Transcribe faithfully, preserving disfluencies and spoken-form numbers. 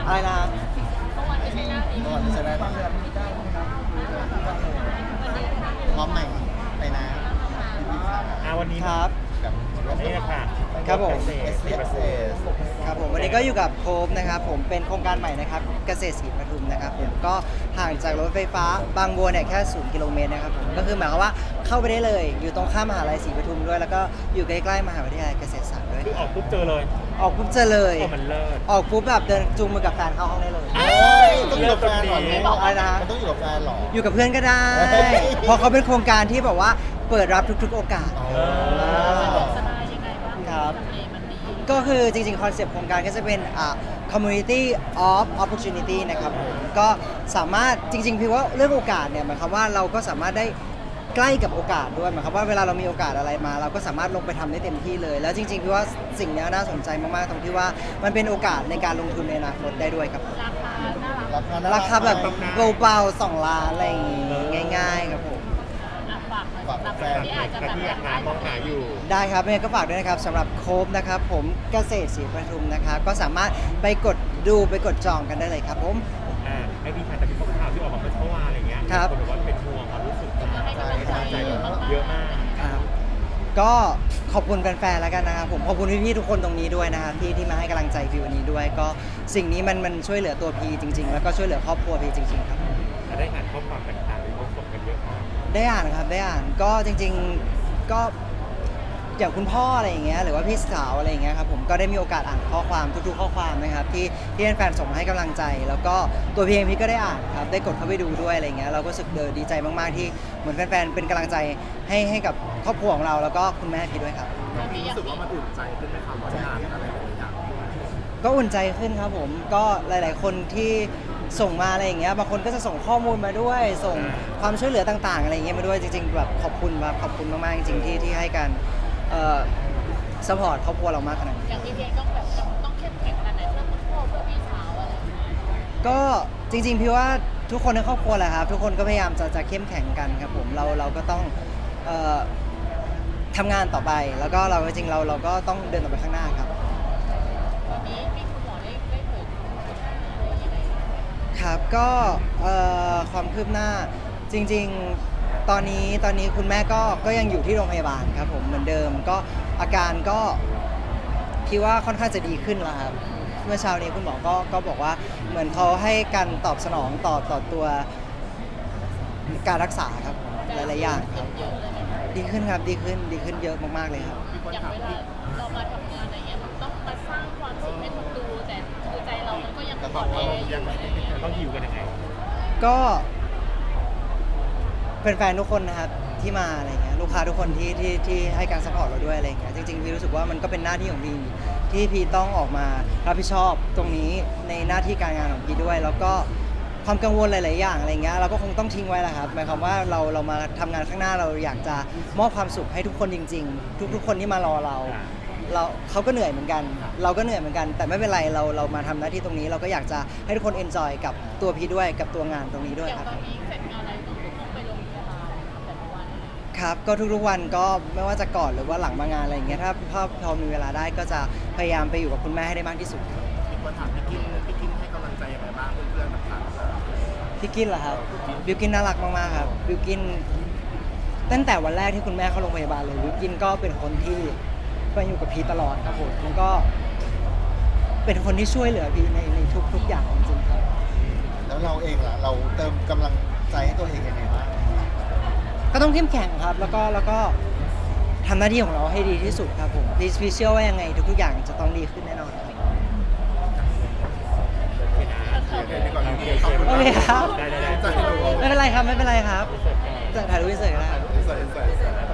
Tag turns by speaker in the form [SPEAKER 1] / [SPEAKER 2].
[SPEAKER 1] อะไรนะ
[SPEAKER 2] เมื่อวานจะใช้หน้านี้
[SPEAKER 3] ก่อนจะใช้ได้ไหมพร้อมใหม่ไปนะพี่ค่ะ
[SPEAKER 4] อ่าวันนี้
[SPEAKER 1] ครับ
[SPEAKER 3] กับ
[SPEAKER 4] นี่ค่ะ
[SPEAKER 1] ครับผม
[SPEAKER 4] เกษ
[SPEAKER 3] เอ
[SPEAKER 4] ตร
[SPEAKER 3] ส
[SPEAKER 4] สี่
[SPEAKER 3] เอ
[SPEAKER 4] เปอร์
[SPEAKER 3] ส
[SPEAKER 4] เซ็นต์
[SPEAKER 1] ครับผมวันนี้ก็อยู่กับโคฟนะครับผมเป็นโครงการใหม่นะครับเกษตรศรีปทุมนะครับผมก็ห่างจากรถไฟฟ้าบางบัวเนี่ยแค่ศูนย์กิโลเมตรนะครับผมก็คือหมายความว่าเข้าไปได้เลยอยู่ตรงข้ามมหาลัยศรีปทุมด้วย แล้วก็อยู่ใกล้ๆมหาวิทยาลัยเกษตรศาสตร์ด้วย
[SPEAKER 4] คือออกปุ๊บเจอเลย
[SPEAKER 1] ออกปุ๊บเจอเลย
[SPEAKER 4] โอ้มันเลิศ
[SPEAKER 1] ออกปุ๊บแบบเดินจูงมือกับแฟนเข้าห้องได้เลย
[SPEAKER 3] โอ้ยต้องอยู่กับแฟนเหรอ
[SPEAKER 4] เลิก
[SPEAKER 3] ลูก
[SPEAKER 1] อะไรนะ
[SPEAKER 3] มันต้องอยู่กับแฟนเหรอ
[SPEAKER 1] อยู่กับเพื่อนก็ได้
[SPEAKER 3] เฮ้ย
[SPEAKER 1] เพราะเขาเป็นโครงการที่แบบว่าเปิดรับทุกๆ โอกาส
[SPEAKER 3] อ๋อ
[SPEAKER 2] สบายยังไงบ้าง
[SPEAKER 1] ครับ
[SPEAKER 2] ทำเลมันดี
[SPEAKER 1] ก็คือจริงๆ คอนเซปต์โครงการก็จะเป็นอ่า community of opportunity นะครับผมก็สามารถจริงๆ พี่ว่าเรื่องโอกาสเนี่ยหมายความว่าเราก็สามารถได้ใกล้กับโอกาสด้วยหมายความว่าเวลาเรามีโอกาสอะไรมา เราก็สามารถลงไปทำได้เต็มที่เลย แล้วจริงๆ พี่ว่าสิ่งเนี้ยน่าสนใจมากๆ ตรงที่ว่ามันเป็นโอกาสในการลงทุนในอนาคตได้ด้วยครับ
[SPEAKER 2] ราคาน่ารัก
[SPEAKER 3] ราคาน่
[SPEAKER 1] ราคาแบบ
[SPEAKER 3] ไหม
[SPEAKER 1] เบาๆสองล้านอะไรอย่างงี้ง่ายๆครับผม
[SPEAKER 2] อ่ะฝากหน่อย
[SPEAKER 3] ฝาก
[SPEAKER 2] สำหรับ
[SPEAKER 3] แฟ
[SPEAKER 2] คน นที่อาจจะ
[SPEAKER 4] ใคร
[SPEAKER 2] แบบ
[SPEAKER 4] ที่อยากหามองหาอยู่
[SPEAKER 1] ได้ครับยังไงก็ฝากด้วยนะครับสำหรับโคฟนะครับผมเกษตรศรีปทุมนะครับก็สามารถไปกดดูไปกดจองกันได้เลยครับผม
[SPEAKER 4] อ่าไอพี่ค่ะแต่มีข้อข่าวที่ออกมาเมื่อวานอะไรเงี้ย
[SPEAKER 1] ครับ
[SPEAKER 4] นบอกว่าเป็นห่วงความรู้สึก
[SPEAKER 2] มาให้กำลังใจ
[SPEAKER 3] ใช่
[SPEAKER 2] เยอะมาก
[SPEAKER 4] เยอะมาก
[SPEAKER 1] ครับก็ขอบคุณแฟนๆแล้วกันนะครับผมขอบคุณพี่ๆทุกคนตรงนี้ด้วยนะครับที่ที่มาให้กำลังใจพีวันนี้ด้วย ก็สิ่งนี้มันมันช่วยเหลือตัวพีจริง ๆ แล้วก็ช่วยเหลือครอบครัวพีจริงๆครับ
[SPEAKER 4] ได้อ่านข้อความต่างๆที่เขาส่งกันเยอะมาก
[SPEAKER 1] ได้อ่านครับได้อ่านก็จริงๆก็อย่างคุณพ่ออะไรอย่างเงี้ยหรือว่าพี่สาวอะไรอย่างเงี้ยครับผมก็ได้มีโอกาสอ่านข้อความทุกๆข้อความนะครับที่ที่แฟนๆส่งมาให้กำลังใจ แล้วก็ตัวพีเองพี่ก็ได้อ่านครับได้กดเข้าไปดูด้วยอะไรเงี้ยเราก็รู้สึกเออดีใจมากๆที่เหมือนแฟนๆเป็นกำลังใจให้ให้กับครอบครัวของเราแล้วก็คุณแม่พี่ด้วยครับ
[SPEAKER 2] รู้สึกว่ามันอุ่นใจ
[SPEAKER 1] ก็อุ่นใจขึ้นครับผมก็หลาย ๆ คนที่ส่งมาอะไรอย่างเงี้ยบางคนก็จะส่งข้อมูลมาด้วย ส่งความช่วยเหลือต่าง ๆ อะไรอย่างเงี้ยมาด้วยจริง ๆ แบบขอบคุณครับขอบคุณมาก ๆ จริง ๆ ที่ที่ให้การเอ่อสปอร์ตครอบครัวเรามากขนาดนี้
[SPEAKER 2] อย่างพี่เพลงต้องแบบต้องเข้มแข็งขนาดไหนเพื่อคุณพ่อเพื่อพี่สาวอะไรอย่างเงี้ย
[SPEAKER 1] ก็จริง ๆ พี่ว่าทุกคนในครอบครัวแหละครับทุกคนก็พยายามจะจะเข้มแข็งกันครับผมเราเราก็ต้องเอ่อทำงานต่อไป แล้วก็เราจริงๆเราเราก็ต้องเดินต่อไปข้างหน้าครับ
[SPEAKER 2] วันนี้มีคุณหมอได้ได้เผยอะไรยังไงบ้าง
[SPEAKER 1] ครับก็เอ่อความคืบหน้าจริงๆตอนนี้ตอนนี้คุณแม่ก็ก็ยังอยู่ที่โรงพยาบาลครับผมเหมือนเดิมก็อาการก็คิดว่าค่อนข้างจะดีขึ้นแล้วครับเมื่อเช้านี้คุณหมอก็ก็บอกว่าเหมือนเขาให้การตอบสนองต่อต่อตัวการรักษาครับหลายๆอย่างครับ
[SPEAKER 2] เยอะเลยไหมคะ
[SPEAKER 1] ดีขึ้นครับดีขึ้นดีขึ้นเยอะมากๆเลยครับ
[SPEAKER 2] อย่างเวลาเรามาทำงานอะไรเงี้ยมันต้องมาสร้างความสุขให้คนดูแต่คือใจเรามันก็ยังอ่อนแออยู่อะไรอย่างเงี้ย
[SPEAKER 4] ต้องหิวกันยังไง
[SPEAKER 1] ก็เป็นแฟนๆทุกคนนะครับที่มาอะไรเงี้ยลูกค้าทุกคนที่ที่ที่ให้การสปอร์ตเราด้วยอะไรเงี้ยจริงๆพี่รู้สึกว่ามันก็เป็นหน้าที่ของพี่ที่พี่ต้องออกมารับผิดชอบตรงนี้ในหน้าที่การงานของพี่ด้วย แล้วก็ความกังวลหลาย ๆ อย่างอะไรเงี้ยเราก็คงต้องทิ้งไว้แหละครับหมายความว่าเราเรามาทำงานข้างหน้าเราอยากจะมอบความสุขให้ทุกคนจริง ๆ ทุก ๆ คนที่มารอเรา เราเขาก็เหนื่อยเหมือนกัน เราก็เหนื่อยเหมือนกัน แต่ไม่เป็นไรเราเรามาทำหน้าที่ตรงนี้ เราก็อยากจะให้ทุกคนเอนจอยกับตัวพี่ด้วยกับตัวงานตรงนี้ด้วย
[SPEAKER 2] อย่าง
[SPEAKER 1] ครับ
[SPEAKER 2] ตอนนี้เสร็จงานอะไรต้องต้องไปโรงพยาบาลแต่ละวัน
[SPEAKER 1] ครับก็ทุกๆวันก็ไม่ว่าจะก่อนหรือว่าหลังมางานอะไรอย่างเงี้ยถ้าพอพอมีเวลาได้ก็จะพยายามไปอยู่กับคุณแม่ให้ได้มากที่สุด
[SPEAKER 3] มีคนถามพี่กินพี่กินให้กำลังใจยังไงบ้างเพื่อนๆต่าง
[SPEAKER 1] พี่กินเหรอครับบิวกินน่ารักมากๆครับบิวกินตั้งแต่วันแรกที่คุณแม่เข้าโรงพยาบาลเลยบิวกินก็เป็นคนที่ไปอยู่กับพี่ตลอดครับผมแล้วก็เป็นคนที่ช่วยเหลือพี่ในในทุกๆอย่างจริงๆครับ
[SPEAKER 3] ๆแล้วเราเองล่ะเราเติมกำลังใจให้ตัวเองยังไงบ้าง
[SPEAKER 1] ก็ต้องเข้มแข็งครับ แล้วก็แล้วก็ทำหน้าที่ของเราให้ดีที่สุดครับผมพี่พี่เชื่อว่ายังไงทุกๆอย่างจะต้องดีขึ้นแน่นอนครับ
[SPEAKER 3] โอเคดีกว่าเรา
[SPEAKER 4] โอเค
[SPEAKER 3] ขอบคุณ
[SPEAKER 1] โอเคครับ
[SPEAKER 4] ได้ได้ได้
[SPEAKER 3] ใจให้เรา
[SPEAKER 1] ไม่เป็นไรครับไม่เป็นไรครับจะถ่ายรูปเฉยๆก็ได้
[SPEAKER 3] ใส่ใส่ใส่